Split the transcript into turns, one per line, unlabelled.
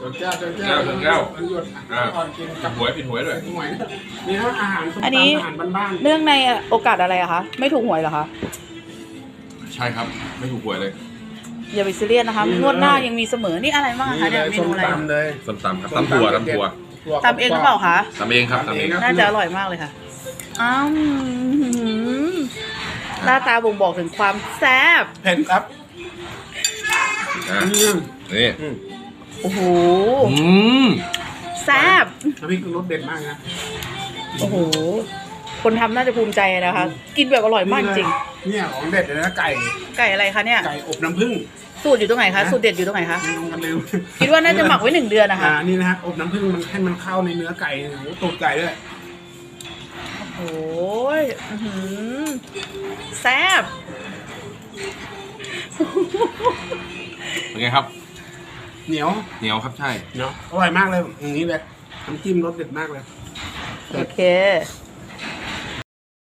แก้ว
กับหวยผิดหวยด้วย
หวยมีทั้งอาหารส้ม
อัน
ตำ
นี้
อาหารบ้าน
เนื่องในโอกาสอะไรอะคะ ไม่ถูกหวยเหรอคะ
ใช่ครับไม่ถูกหวยเลย
อย่าไปซีเรียสนะคะ งวดหน้ายังมีเสมอ นี่อะไรบ้าง
ๆ
คะ
นี่
เนี่ย
เลย
เม
ส้ม
นูอะไร
ตำเลย
ส้มตำครับตำถั่ว
ตำเองหรือเปล่าคะ
ตำเองครับตำเอง
น่าจะอร่อยมากเลยค่ะ อ้าวหน้าตาบ่งบอกถึงความแซ่บ
เผ็ดครับ
อ่ะ
อืม
นี่
โอ้โห
อืม
แซ่บ
น้ำพริกรสเด็ดมากนะ
โอ้โห คนทำน่าจะภูมิใจนะคะ กินแบบอร่อยมากจริง
เนี่ยของเด็ดเลยนะไก่
ไก่อะไรคะเนี่ย
ไก่อบน้ำผึ้ง
สูตรอยู่ตรงไหนคะ สูตรเด็ดอยู่ตรงไหนคะ
ไม่ต้องกันลืม
คิดว่าน่าจะหมักไว้1 เดือนนะคะ
นี่นะฮะอบน้ำผึ้งมันให้มันเข้าในเนื้อไก่โอ้โหตูดไก่ด้วย
โอ้ยอื้อหือแซ่บ
เป็นไงครับ
เหนียว
เหนียวครับใช่
เนาะอร่อยมากเลยอย่างนี้เลยน้ำจิ้มรสเด็ดมากเลย
โอเค